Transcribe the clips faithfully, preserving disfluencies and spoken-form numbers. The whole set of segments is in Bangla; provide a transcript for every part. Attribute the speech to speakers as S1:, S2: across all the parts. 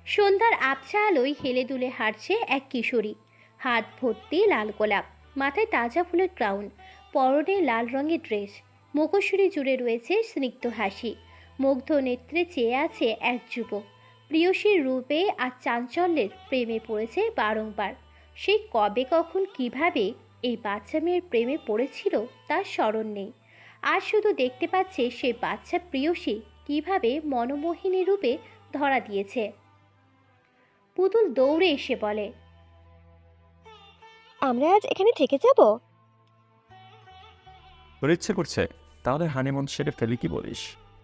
S1: সন্ধ্যার আবছা আলোয় হেলে দুলে হাঁটছে এক কিশোরী। হাত ভর্তি লাল গোলাপ, মাথায় তাজা ফুলের ক্রাউন, পরনে লাল রঙের ড্রেস। মুখশ্রী জুড়ে রয়েছে স্নিগ্ধ হাসি। মুগ্ধ নেত্রে চেয়ে আছে এক যুবক। প্রিয়সীর রূপে আর চাঞ্চল্যের প্রেমে পড়েছে বারংবার। সে কবে কখন কিভাবে এই বাচ্চা মেয়ের প্রেমে পড়েছিল তার স্মরণ নেই। আজ শুধু দেখতে পাচ্ছে সে বাচ্চা প্রিয়সী কিভাবে মনোমোহিনী রূপে ধরা দিয়েছে। পুতুল দৌড়ে এসে বলে,
S2: আমরা আজ এখানে থেকে যাব?
S3: তোর ইচ্ছে করছে? তাহলে হানিমুন সেরে ফেলি, কি বলিস?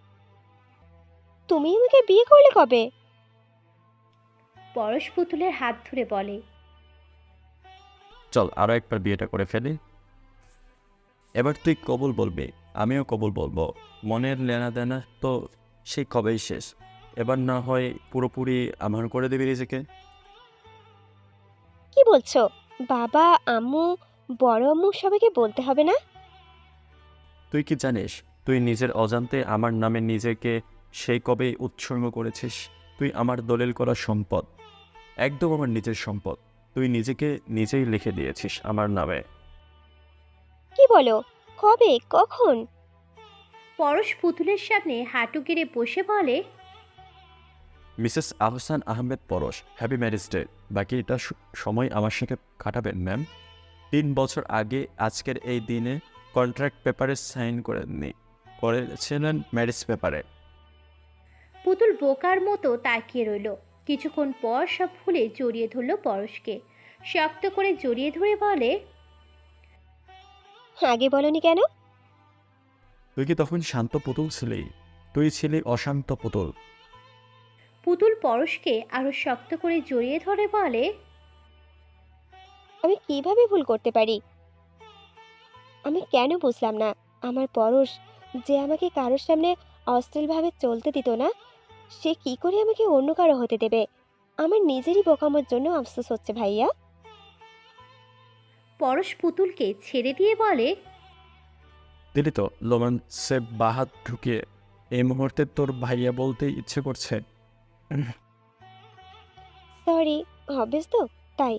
S2: তুমি আমাকে বিয়ে করলে কবে?
S1: পরশ পুতুলের হাত ধরে বলে,
S3: চল আরো একবার বিয়েটা করে ফেলি। এবার তুই কবুল বলবি, আমিও কবুল বলবো। মনের লেনা দেনা তো সেই কবেই শেষ। এবার না হয় পুরোপুরি আমার করে দিবি নিজেকে।
S2: কি বলছো? বাবা, আম্মু, বড় আম্মু সবাইকে বলতে হবে না?
S3: তুই কি জানিস তুই নিজের অজান্তে আমার নামে নিজেকে সেই কবে উৎসর্গ করেছিস? তুই আমার দলিল করা সম্পদ, একদম আমার নিজের সম্পদ। তুই নিজেকে নিজেই লিখে দিয়েছিস আমার নামে।
S2: কি বলো? কবে? কখন?
S1: পরশ পুতুলের সামনে হাঁটু গেড়ে বসে বলে,
S3: মিসেস আহসান আহমেদ পরশ, হ্যাপি ম্যারেজ ডে। বাকিটা স- সময় আমার সাথে কাটাবেন ম্যাম। তিন বছর আগে আজকের এই দিনে কন্ট্রাক্ট পেপারে সাইন করেননি, করেছিলেন ম্যারেজ পেপারে।
S1: পুতুল বোকার মতো তাকিয়ে রইল। কিছুক্ষণ পর সব ভুলে জড়িয়ে ধরল পরশকে। শক্ত করে জড়িয়ে ধরে বলে,
S2: আগে বলনি কেন?
S3: তুই কি তখন শান্ত পুতুল ছিলি? তুই ছিলি অশান্ত পুতুল।
S1: পুতুল পরশকে আরো শক্ত করে জড়িয়ে ধরে বলে,
S2: আমি কিভাবে ভুল করতে পারি? আমি কেন বুঝলাম না? আমার পরশ, যে আমাকে কারোর সামনে অশ্লীলভাবে চলতে দিত না, সে কি করে আমাকে অন্য কারো হতে দেবে? আমার নিজেরই বোকামোর জন্য আফসোস হচ্ছে ভাইয়া।
S1: পরশ পুতুলকে ছেড়ে দিয়ে বলে,
S3: দিলি তো লোমান সে বাহাত ঢুকিয়ে। এই মুহূর্তে তোর ভাইয়া বলতে ইচ্ছে করছে।
S2: সরি, হবেস তো তাই।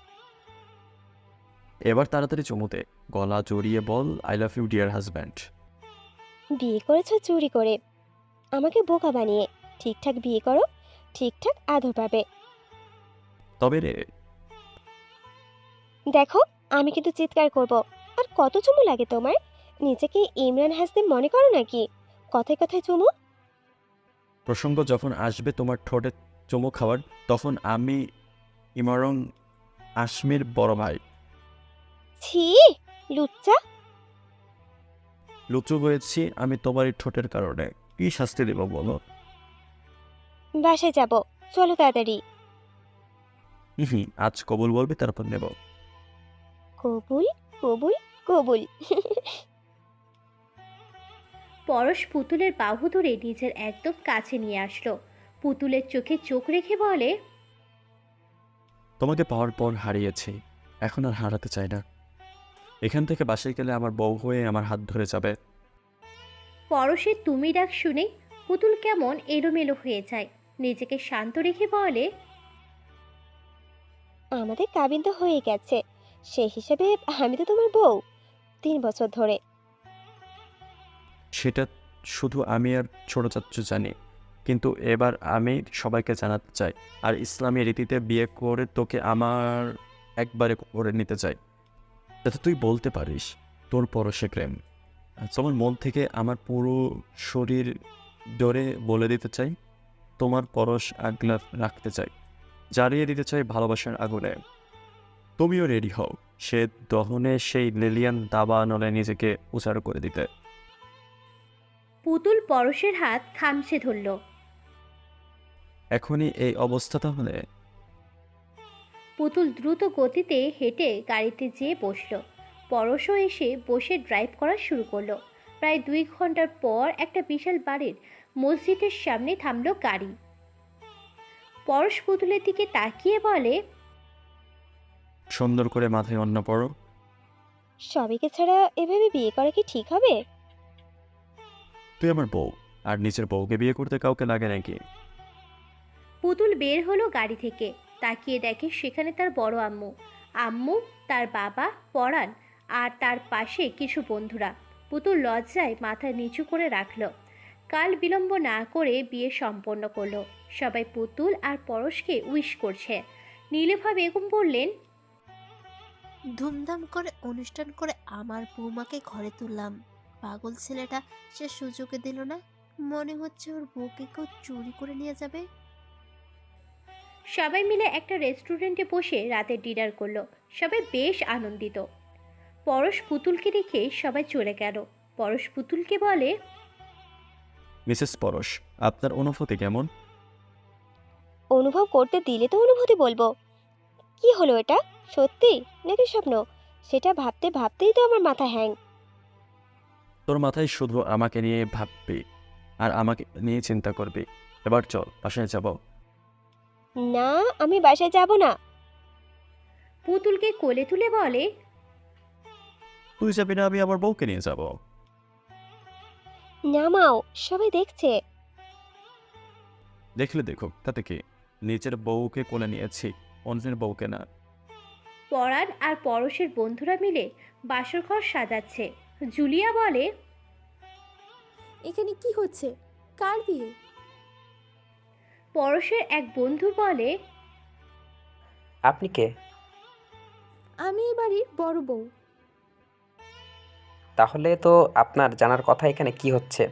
S3: এবার তাড়াতাড়ি চুমুতে গলা জড়িয়ে বল, I love you dear husband.
S2: বিয়ে করেছো চুরি করে, আমাকে বোকা বানিয়ে। ঠিকঠাক বিয়ে করো, ঠিকঠাক আদর পাবে।
S3: তবে রে,
S2: দেখো, আমি কিন্তু চিৎকার করব। আর কত চুমু লাগে তোমার? নিজেকে ইমরান হাসিম মনে করো নাকি? কথায় কথায় চুমু?
S3: প্রসঙ্গ যখন আসবে তোমার ঠোঁটে চুমু খাওয়ার, তখন আমি ইমরং আশমির বড় ভাই।
S2: ছি, লুচ্চা।
S3: লুচু হয়েছি আমি তোমার এই ঠোঁটের কারণে। কি শাস্তি দেব বলো?
S2: বাসায় যাব, চলো তাড়াতাড়ি।
S3: হুম, আজ কবুল বলবি তারপর নেব।
S2: কবুল, কবুল, কবুল।
S1: পরশ পুতুলের বাহু ধরে নিজের একদম কাছে নিয়ে আসলো। পুতুলের চোখে চোখ রেখে বলে,
S3: তোমাকে পাওয়ার পর হারিয়েছি, এখন আর হারাতে চাই না। এখান থেকে বাসায় গেলে আমার বউ হয়ে আমার হাত ধরে যাবে।
S1: পরশের তুমি ডাক শুনে পুতুল কেমন এলোমেলো হয়ে যায়। নিজেকে শান্ত রেখে বলে,
S2: আমাদের কাবিন তো হয়ে গেছে, সেই হিসেবে আমি তো তোমার বউ তিন বছর ধরে।
S3: সেটা শুধু আমি আর ছোট চাচ্চু জানি, কিন্তু এবার আমি সবাইকে জানাতে চাই। আর ইসলামী রীতিতে বিয়ে করে তোকে আমার একবারে করে নিতে চাই, যাতে তুই বলতে পারিস তোর পরশে প্রেম। আর তোমার মন থেকে আমার পুরো শরীর ধরে বলে দিতে চাই, তোমার পরশ আগলা রাখতে চাই, জ্বালিয়ে দিতে চাই ভালোবাসার আগুনে। তুমিও রেডি হও সে দহনে সেই লিলিয়ান দাবা নলে নিজেকে উচাড় করে দিতে।
S1: পুতুল পরশের হাত খামছে ধরল।
S3: এখনই এই অবস্থা তাহলে?
S1: পুতুল দ্রুত গতিতে হেঁটে গাড়িতে যেয়ে বসলো। পরশও এসে বসে ড্রাইভ করা শুরু করলো। প্রায় দুই ঘন্টার পর একটা বিশাল বাড়ির মসজিদের সামনে থামলো গাড়ি। পরশ পুতুলের দিকে তাকিয়ে বলে,
S3: সুন্দর করে মাথায় অন্য পড়ো।
S2: সবাইকে ছাড়া এভাবে বিয়ে করা কি ঠিক হবে?
S3: তুই আমার বউ, আর নিজের বউকে বিয়ে করতে কাউকে লাগে নাকি?
S1: পুতুল বের হলো গাড়ি থেকে, তাকিয়ে দেখে সেখানে তার বড় আম্মু, আম্মু, তার বাবা, পরাণ আর তার পাশে কিছু বন্ধুরা। পুতুল লজ্জায় মাথা নিচু করে রাখলো। কাল বিলম্ব না করে বিয়ে সম্পন্ন করলো। সবাই পুতুল আর পরশকে উইশ করছে। নীলুফা বেগম বললেন,
S4: ধুমধাম করে অনুষ্ঠান করে আমার বৌমাকে ঘরে তুললাম। পাগল ছেলেটা সে সুযোগে দিল না। মনে হচ্ছে ওর বউকে কেউ চুরি করে নিয়ে যাবে।
S1: সবাই মিলে একটা রেস্টুরেন্টে বসে রাতে ডিনার করলো। সবাই বেশ আনন্দিত। পরশ পুতুলকে রেখে সবাই চলে গেল। পরশ পুতুলকে বলে,
S3: মিসেস পরশ, আপনার অনুভূতি কেমন?
S2: অনুভব করতে দিলে তো অনুভূতি বলবো। কি হলো, এটা সত্যি নাকি স্বপ্ন? সেটা ভাবতে ভাবতেই তো আমার মাথা হ্যাং।
S3: তোর মাথায় শুধু আমাকে নিয়ে ভাববি আর আমাকে নিয়ে চিন্তা করবি। এবার চল বাসায় যাব।
S2: না, আমি বাসায় যাব না।
S1: পুতুলকে কোলে তুলে বলে,
S3: তুই যাবি না, আমি আমার বউকে নিয়ে যাব।
S2: নামাও, সবাই দেখছে।
S3: দেখলে দেখুক, তাতে কি? নিজের বউকে কোলে নিয়েছি, অন্যের বউকে না।
S1: পরাণ আর পরশের বন্ধুরা মিলে বাসরঘর সাজাচ্ছে। জুলিয়া বলে,
S5: এখানে কি হচ্ছে? কার বিয়ে?
S1: পরশের এক বন্ধু বলে,
S6: আপনি কে?
S5: আমি এই বাড়ির বড় বউ।
S6: তাহলে তো আপনার জানার কথা এখানে কি হচ্ছে।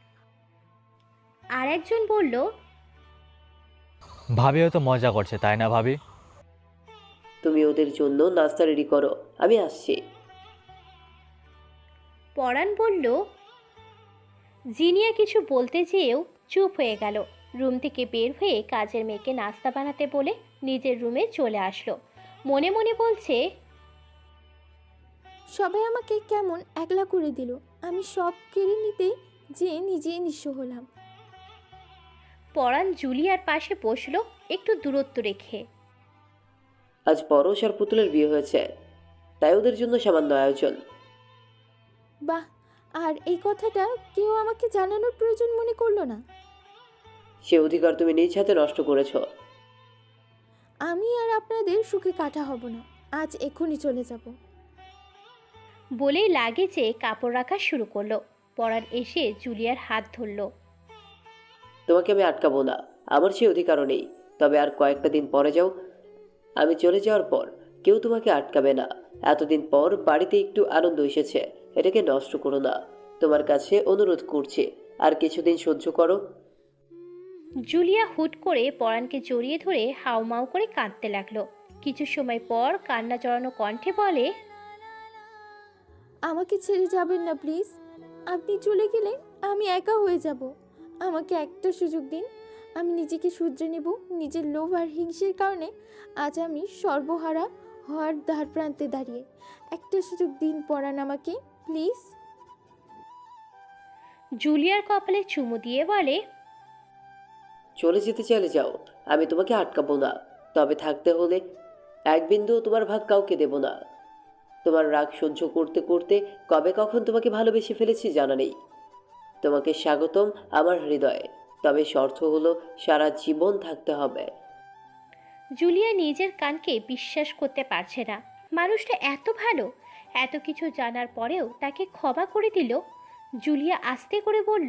S1: আর একজন বলল,
S7: ভাবি হয়তো মজা করছে, তাই না ভাবি?
S8: তুমি ওদের জন্য নাস্তা রেডি করো, আমি আসছি।
S1: পরাণ বলল। জিনিয়া কিছু বলতে যেয়েও চুপ হয়ে গেল। রুম থেকে বের হয়ে কাজের মেয়েকে নাস্তা বানাতে বলে নিজের রুমে চলে আসলো। মনে মনে বলছে,
S5: সবাই আমাকে কেমন একলা করে দিল। আমি সব কেড়ে নিতে যে নিজেই নিঃস্ব হলাম।
S1: পরাণ জুলিয়ার পাশে বসলো একটু দূরত্ব রেখে।
S8: আজ পরশ আর পুতুলের বিয়ে হয়েছে, তাই ওদের জন্য সামান্য আয়োজন।
S5: বাহ, আর এই কথাটা কেউ আমাকে জানানোর প্রয়োজন মনে করলো না।
S8: সে অধিকার তুমি নিজ হাতে নষ্ট করেছো।
S5: আমি আর আপনাদের সুখে কাটা হব না। আজ এক্ষুনি চলে যাব।
S1: বলেই লাগেজে কাপড় রাখা শুরু করলো। পরাণ এসে জুলিয়ার হাত ধরলো।
S8: তোমাকে আমি আটকাবো না, আমার সেই অধিকারও নেই। তবে আর কয়েকটা দিন পরে যাও। আমি চলে যাওয়ার পর কেউ তোমাকে আটকাবে না। এতদিন পর বাড়িতে একটু আনন্দ এসেছে, এটাকে নষ্ট করো না। তোমার কাছে অনুরোধ করছি, আর কিছুদিন সহ্য করো।
S1: জুলিয়া হুট করে পরাণকে জড়িয়ে ধরে হাউমাউ করে কাঁদতে লাগলো। কিছু সময় পর কান্না জড়ানো কণ্ঠে বলে,
S5: আমাকে ছেড়ে যাবেন না প্লিজ। আপনি চলে গেলে আমি একা হয়ে যাব। আমাকে একটা সুযোগ দিন। আমি নিজেকে শুধরে নেব। নিজের লোভ আর হিংসের কারণে আজ আমি সর্বহারা হওয়ার দ্বার প্রান্তে দাঁড়িয়ে। একটা সুযোগ দিন পরাণ আমাকে, প্লিজ।
S1: জুলিয়ার কপালে চুমু দিয়ে বলে,
S8: চলে যেতে চাইলে যাও, আমি তোমাকে আটকাবো না। তবে থাকতে হলে এক বিন্দু তোমার ভাগ কাউকে দেব না। তোমার রাগ সহ্য করতে করতে কবে কখন তোমাকে ভালোবেসে ফেলেছি জানা নেই। তোমাকে স্বাগতম আমার হৃদয়ে, তবে শর্ত হলো সারা জীবন থাকতে হবে।
S1: জুলিয়া নিজের কানকে বিশ্বাস করতে পারছে না। মানুষটা এত ভালো, এত কিছু জানার পরেও তাকে ক্ষমা করে দিল। জুলিয়া আস্তে করে বলল,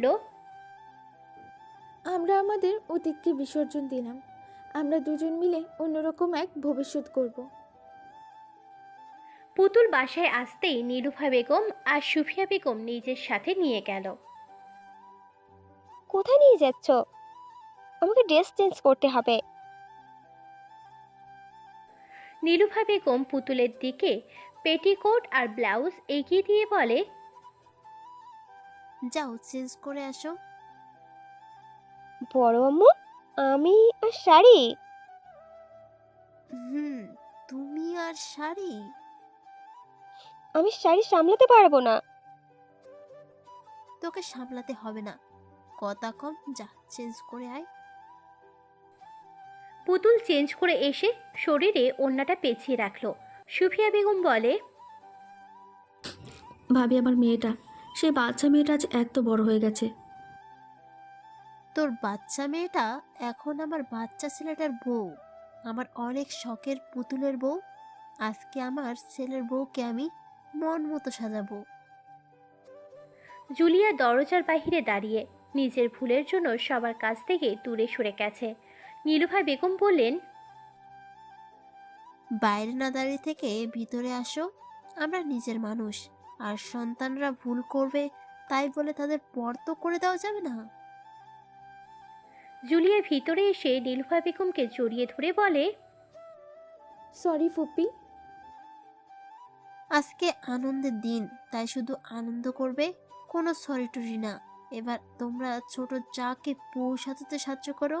S5: আমরা আমাদের অতীতকে বিসর্জন দিলাম। আমরা দুজন মিলে অন্যরকম এক ভবিষ্যৎ করব।
S1: পুতুল বাসায় আসতেই নীলুফা বেগম আর সুফিয়া বেগম নিজের সাথে নিয়ে গেল।
S2: কোথায় নিয়ে যাচ্ছ? আমাকে ড্রেস চেঞ্জ করতে হবে।
S1: নীলুফা বেগম পুতুলের দিকে পেটিকোট আর ব্লাউজ এগিয়ে দিয়ে বলে,
S4: যাও চেঞ্জ করে আসো।
S2: বড় আম্মু, আমি আর শাড়ি?
S4: হুম, তুমি আর শাড়ি?
S2: আমি শাড়ি সামলাতে পারবো না।
S4: তোকে সামলাতে হবে না, কথা কম, যা চেঞ্জ করে আয়।
S1: পুতুল চেঞ্জ করে এসে শরীরে ওড়নাটা পেঁচিয়ে রাখলো। সুফিয়া বেগম বলে,
S9: ভাবি, আমার মেয়েটা, সেই বাচ্চা মেয়েটা আজ এত বড় হয়ে গেছে।
S4: তোর বাচ্চা মেয়েটা এখন আমার বাচ্চা ছেলেটার বউ, আমার অনেক শখের পুতুলের বউ। আজকে আমার ছেলের বউকে আমি মন মতো সাজাবো।
S1: জুলিয়া দরজার বাহিরে দাঁড়িয়ে নিজের ভুলের জন্য সবার কাছ থেকে দূরে সরে গেছে। নীলুফা বেগম বললেন,
S4: বাইরে না দাঁড়িয়ে থেকে ভিতরে আসো। আমরা নিজের মানুষ, আর সন্তানরা ভুল করবে তাই বলে তাদের পরতো করে দেওয়া যাবে না।
S1: জুলিয়া ভিতরে এসে নীলুফা বেগমকে জড়িয়ে ধরে বলে,
S5: সরি ফুপি।
S4: আজকে আনন্দের দিন, তাই শুধু আনন্দ করবে, কোনো সরি টরি না। এবার তোমরা ছোট যাকে বউ সাজাতে সাহায্য করো।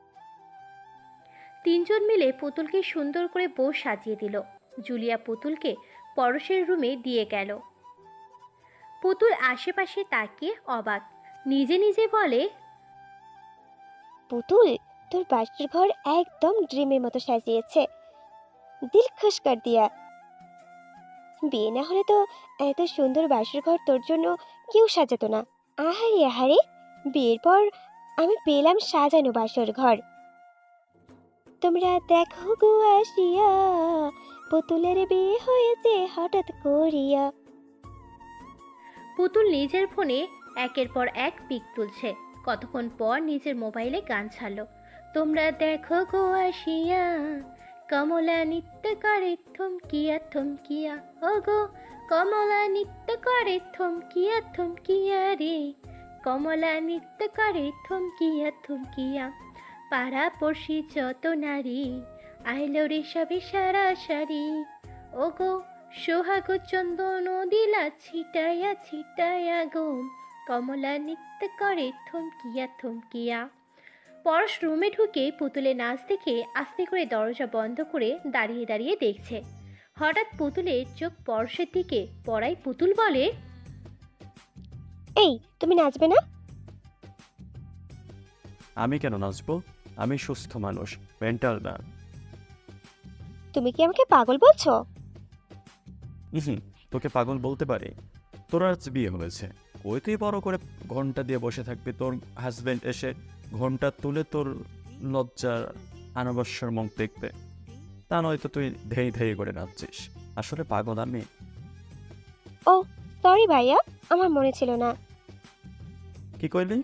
S1: তিনজন মিলে পুতুলকে সুন্দর করে বউ সাজিয়ে দিল। জুলিয়া পুতুলকে পরশের রুমে দিয়ে গেল। পুতুল আশেপাশে তাকিয়ে অবাক, নিজে নিজে বলে,
S2: পুতুল, তোর বাসর ঘর একদম ড্রিমের মতো সাজিয়েছে, দিল খুশ কর দিয়া। বিয়ে না হলে তো এত সুন্দর বাসর ঘর তোর জন্য কেউ সাজাতো না। আহারে আহারে, বিয়ের পর আমি পেলাম সাজানো বাসর ঘর। তোমরা দেখো গো আসিয়া, পুতুলের বিয়ে হয়েছে হঠাৎ করিয়া।
S1: পুতুল নিজের ফোনে একের পর এক পিক তুলছে। কতক্ষণ পর নিজের মোবাইলে গান ছাড়লো, তোমরা দেখো গো আসিয়া, কমলা নৃত্য করে থমকিয়া থমকিয়া, ও গো কমলা নৃত্য করে থমকিয়া থমকিয়া রে, কমলা নৃত্য করে থমকিয়া থমকিয়া, পাড়া পড়শি যত নারী আইলো রে সবে সারা সারি, ও গো সোহাগ চন্দন দিলা ছিটায়া ছিটায়া গো, কমলা নৃত্য করে থমকিয়া থমকিয়া। পরশ রুমে ঢুকে পুতুলে নাচ দেখে আস্তে করে দরজা বন্ধ করে দাঁড়িয়ে দাঁড়িয়ে দেখছে। হঠাৎ পুতুলের চোখ পরশের দিকে পড়ায় পুতুল বলে,
S2: এই, তুমি নাচবে না?
S3: আমি কেন নাচবো? আমি সুস্থ মানুষ, মেন্টাল না।
S2: তুমি কি আমাকে পাগল বলছো?
S3: হুম, তোকে পাগল বলতে পারি? তোর আজ বিয়ে হয়েছে, ওই তুই বড় করে ঘন্টা দিয়ে বসে থাকবি, তোর হাজবেন্ড এসে ঘন্টা তুলে তোর লজ্জার আনবস্যর মুখ দেখবে। তা নয়তো তুই ধেই ধেই করে নাচছিস। আসলে পাগল আমি।
S2: ও সরি ভাইয়া, আমার মনে ছিল না।
S3: কি কইলি?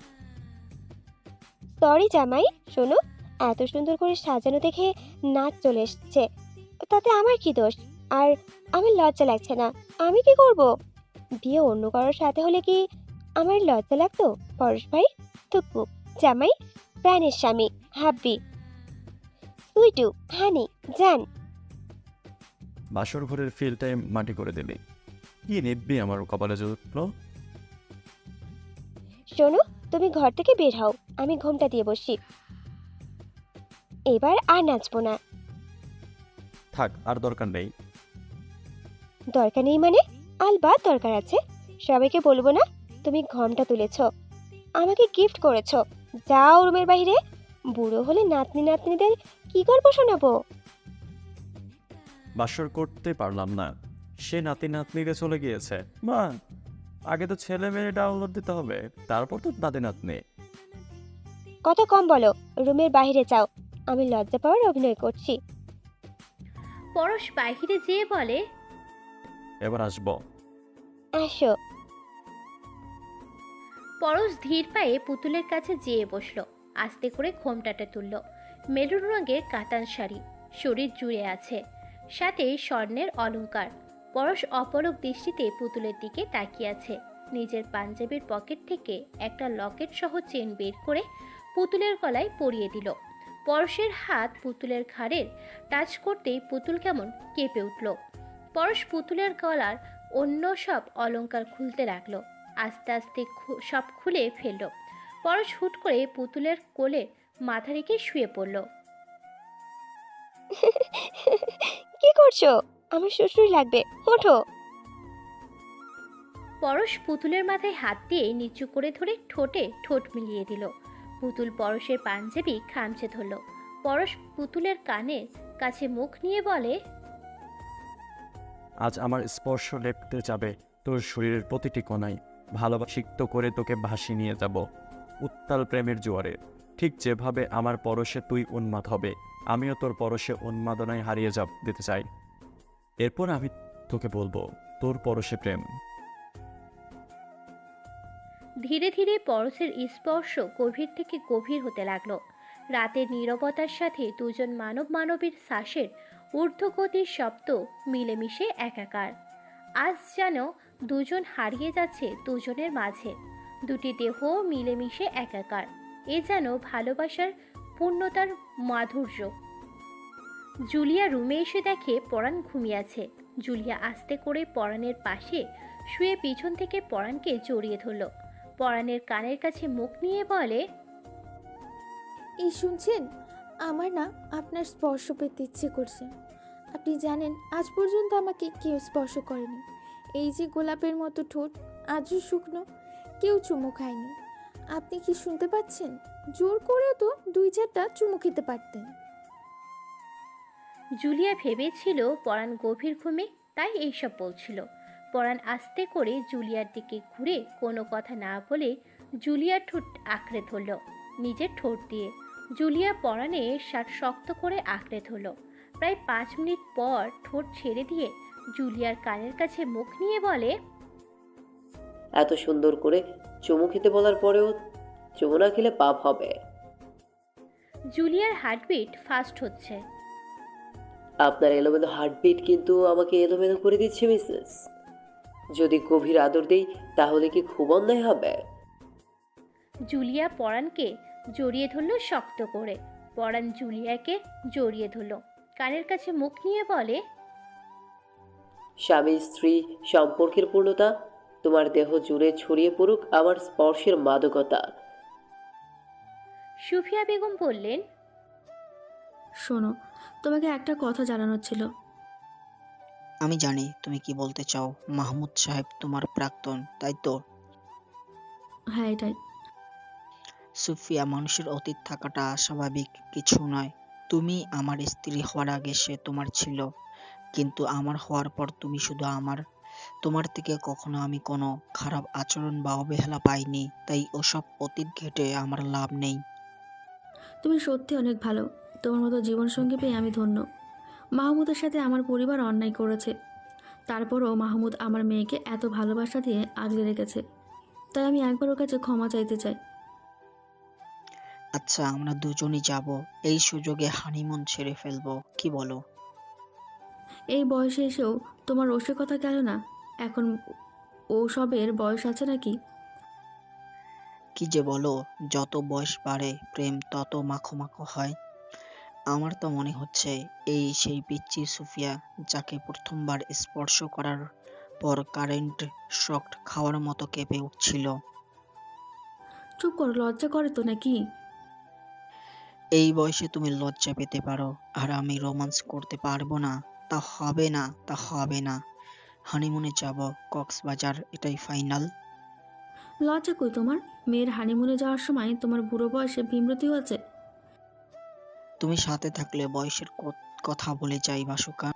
S2: সরি জামাই। শোনো, এত সুন্দর করে সাজানো দেখে নাচ চলে এসছে, তাতে আমার কি দোষ? আর আমার লজ্জা লাগছে না। আমি কি করব? বিয়ে অন্য কারোর সাথে হলে কি আমার লজ্জা লাগতো? পরশ ভাই, তুকু, জামাই, প্রাণের স্বামী, হাব্বি, সুইটু, হানি, জান।
S3: বাসর ঘরের ফিলটাই মাটি করে দিলি। কি নিববি আমার কপালে জুটলো?
S2: শোনো, তুমি ঘর থেকে বের হও, আমি ঘোমটা দিয়ে বসি। এবার আর নাচবো না।
S3: থাক, আর দরকার নেই।
S2: দরকার নেই মানে? আলবাত দরকার আছে। সবাইকে বলবো না তুমি ঘোমটা তুলেছ, আমাকে গিফট করেছো। যাও রুমের বাইরে। বুড়ো হলে নাতনি নাতনিদের কি গল্প শোনাবো?
S3: বাসর করতে পারলাম না, সে নাতি নাতনিরে চলে গিয়েছে। মা, আগে তো ছেলে মেয়ে ডাউনলোড দিতে হবে, তারপর তো নাতি নাতনি।
S2: কত কম বলো, রুমের বাইরে যাও, আমি লজ্জা পাওয়ার অভিনয় করছি।
S1: পরশ বাহিরে যেয়ে বলে,
S3: এবার আসবো।
S2: আসো।
S1: পরশ ধীর পায়ে পুতুলের কাছে যেয়ে বসলো। আস্তে করে ঘোমটাটা তুলল। মেরুন রঙের কাতান শাড়ি, শরীর জুড়ে আছে, সাথে স্বর্ণের অলংকার। পরশ অপলক দৃষ্টিতে পুতুলের দিকে তাকিয়ে আছে। নিজের পাঞ্জাবির পকেট থেকে একটা লকেট সহ চেন বের করে পুতুলের গলায় পরিয়ে দিল। পরশের হাত পুতুলের ঘাড়ের টাচ করতেই পুতুল কেমন কেঁপে উঠল। পরশ পুতুলের গলার অন্য সব অলংকার খুলতে লাগলো। আস্তে আস্তে সব খুলে ফেলল। পরশ হুট করে পুতুলের কোলে মাথা রেখে শুয়ে পড়ল।
S2: কি করছো? আমার শ্বশুর লাগবে, ওঠো।
S1: পরশ পুতুলের মাথায় হাত দিয়ে নিচু করে ধরে ঠোঁটে ঠোঁট মিলিয়ে দিল। পুতুল পরশের পাঞ্জাবি খামচে ধরল। পরশ পুতুলের কানের কাছে মুখ নিয়ে বলে,
S3: আজ আমার স্পর্শ লেপতে যাবে তোর শরীরের প্রতিটি কোণায়, ভালোবাসিক্ত করে তোকে ভাসি নিয়ে যাব। উত্তাল প্রেমের জোয়ারে। ঠিক যেভাবে আমার পরশে তুই উন্মাদ হবে, আমিও তোর পরশে উন্মাদনায় হারিয়ে যাব দিতে চাই। এরপর আমি তোকে বলবো তোর পরশে প্রেম।
S1: ধীরে ধীরে পরশের স্পর্শ গভীর থেকে গভীর হতে লাগলো। রাতের নীরবতার সাথে দুজন মানব মানবীর শ্বাসের ঊর্ধ্বগতির শব্দ মিলেমিশে একাকার। আজ যেন দুজন হারিয়ে যাচ্ছে দুজনের মাঝে, দুটি দেহ মিলেমিশে একাকার। এ যেন ভালোবাসার পূর্ণতার মাধুর্য। জুলিয়া রুমে এসে দেখে পরাণ ঘুমিয়ে আছে। জুলিয়া আস্তে করে পরাণের পাশে শুয়ে পিছন থেকে পরাণকে জড়িয়ে ধরল। পরাণের কানের কাছে মুখ নিয়ে বলে,
S5: এই শুনছেন, আমার না আপনার স্পর্শ পেতে ইচ্ছে করছে। আপনি জানেন আজ পর্যন্ত আমাকে কেউ স্পর্শ করেনি। এই যে গোলাপের মতো ঠোঁট আজও শুকনো, কেউ চুমু খায়নি। আপনি কি শুনতে পাচ্ছেন? জোর করেও তো দুই চারটা চুমু খেতে পারতেন।
S1: জুলিয়া ভেবেছিল পরাণ গভীর ঘুমে, তাই এইসব বলছিল। পরাণ আস্তে করে জুলিয়ার দিকে ঘুরে কোনো কথা না বলে জুলিয়ার ঠোঁট আঁকড়ে ধরল নিজের ঠোঁট দিয়ে। জুলিয়া পরাণে শার্ট শক্ত করে আঁকড়ে ধরল। প্রায় পাঁচ মিনিট পর ঠোঁট ছেড়ে দিয়ে জুলিয়ার কানের কাছে মুখ নিয়ে বলে,
S8: এত সুন্দর করে চুমু খেতে বলার পরেও চুমু না খেলে পাপ হবে।
S1: জুলিয়ার হার্টবিট ফাস্ট হচ্ছে।
S8: আপনার এলোমেলো হার্টবিট কিন্তু আমাকে এলোমেলো করে দিচ্ছে মিসেস। যদি গভীর আদর দেই তাহলে কি খুব অন্যায় হবে?
S1: জুলিয়া পরাণকে জড়িয়ে ধরল শক্ত করে। পরাণ জুলিয়াকে জড়িয়ে ধরল, কানের কাছে মুখ নিয়ে বলে,
S8: স্বামী স্ত্রী সম্পর্কের পূর্ণতা তোমার দেহ জুড়ে ছড়িয়ে পড়ুক আমার স্পর্শের মাদকতা।
S1: সুফিয়া বেগম বললেন,
S9: শোনো, তোমাকে একটা কথা জানানোর ছিল।
S10: আমি জানি তুমি কি বলতে চাও। মাহমুদ সাহেব তোমার প্রাক্তন, তাই তো?
S9: হ্যাঁ, এটাই।
S10: সুফিয়া, মানুষের অতীত থাকাটা স্বাভাবিক কিছু নয়। তুমি আমার স্ত্রী হওয়ার আগে সে তোমার ছিল, কিন্তু আমার হওয়ার পর তুমি শুধু আমার। তোমার থেকে কখনো আমি কোনো খারাপ আচরণ বা অবহেলা পাইনি, তাই ওসব অতীত ঘেটে আমার লাভ নেই।
S9: তুমি সত্যি অনেক ভালো। তোমার মতো জীবনসঙ্গী পেয়ে আমি ধন্য। মাহমুদের সাথে আমার পরিবার অন্যায় করেছে, তারপরও মাহমুদ আমার মেয়েকে এত ভালোবাসা দিয়ে আগলে রেখেছে, তাই আমি একবার ওর কাছে ক্ষমা চাইতে চাই।
S10: আচ্ছা, আমরা দুজনই যাব। এই সুযোগে হানিমুন ছেড়ে ফেলবো, কি বলো?
S9: এই বয়সে এসেও তোমার রসিকতা গেল না? এখন ওসবের বয়স আছে নাকি?
S10: কি যে বলো, যত বয়স বাড়ে প্রেম তত মাখো মাখো হয়। আমার তো মনে হচ্ছে এই সেই পিচ্চি সুফিয়া, যাকে প্রথমবার স্পর্শ করার পর কারেন্ট শক খাওয়ার মতো কেঁপে উঠছিল।
S9: চুপ করো, লজ্জা করে তো নাকি?
S10: এই বয়সে তুমি লজ্জা পেতে পারো আর আমি রোমান্স করতে পারবো না? তা হবে না, তা হবে না। হানিমুনে যাব কক্সবাজার, এটাই ফাইনাল।
S9: লজ্জা কই তোমার? মেয়ের হানিমুনে যাওয়ার সময় তোমার বুড়ো বয়সে বিমৃতি হয়েছে।
S10: তুমি সাথে থাকলে বয়সের কত- কথা বলে যাই বাসুকা।